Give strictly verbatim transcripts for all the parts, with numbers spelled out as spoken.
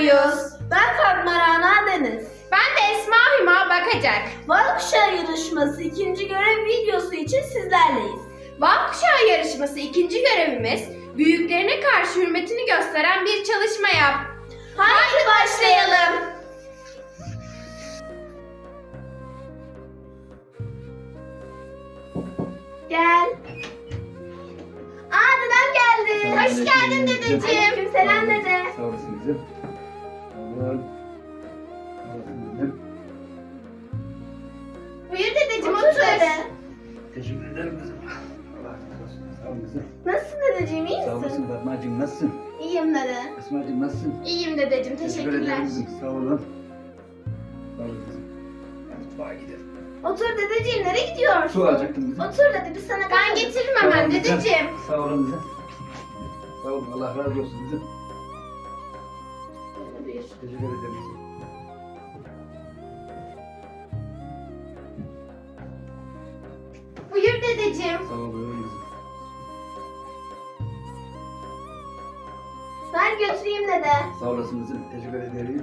Yunus. Ben Fatma Rana Deniz. Ben de Esma Hüma Bakacak. Van Kuşağı yarışması ikinci görev videosu için sizlerleyiz. Van Kuşağı yarışması ikinci görevimiz, büyüklerine karşı hürmetini gösteren bir çalışma yap. Haydi başlayalım. Gel. Aa dedem geldi. Hoş geldin dedeciğim. Aleykümselam dede. Sağ olasın kızım. Sağ olun. Sağ olasın kızım. Buyur dedeciğim, Otur otur. dede. Teşekkür ederim kızım. Allah razı olsun. Sağ olun kızım. Nasılsın dedeciğim, iyi Sağ misin? olasın Fatmacığım, nasılsın? İyiyim dede. Esmacığım nasılsın? İyiyim dedeciğim, Teşekkür teşekkürler. ederim kızım. Sağ olun. Sağ olun kızım. Mutfağa gidelim. Otur dedeciğim, nereye gidiyorsun? Su alacaktım kızım. Otur dede, biz sana Ben katalım. getiririm Sağ olun hemen kızım. dedeciğim. Sağ olun kızım. Sağ olun. Allah razı olsun kızım. Buyur. Teşekkür ederim kızım. Buyur dedeciğim. Sağ olun kızım. Ben götüreyim dede. Sağ olasın kızım. Teşekkür ederim.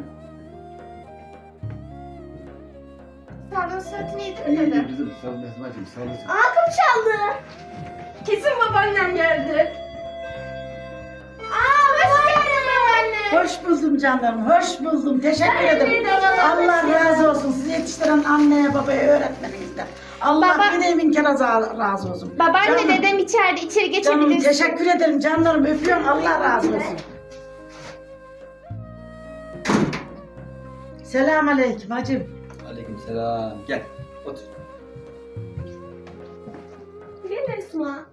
Sağlığın sıhhatini yedin mi İyi dede? kızım. Sağ olun Esmacığım. Sağ olasın. Aa kapı çaldı. Kesin babaannem geldi. Aa, hoş geldin babaanne. Hoş buldum canlarım, hoş buldum. Teşekkür ederim. de bana Allah teşekkür razı olsun. Sizi yetiştiren anneye, babaya, öğretmeninizden. Allah Baba- bir de bin kere razı razı olsun. Babaanne Canım, dedem içeride, içeri Canım geçebilirsin. teşekkür ederim canlarım. Öpüyorum. Allah razı olsun. Selamun aleyküm hacım. Aleyküm selam. Gel. Otur. Gel Esma.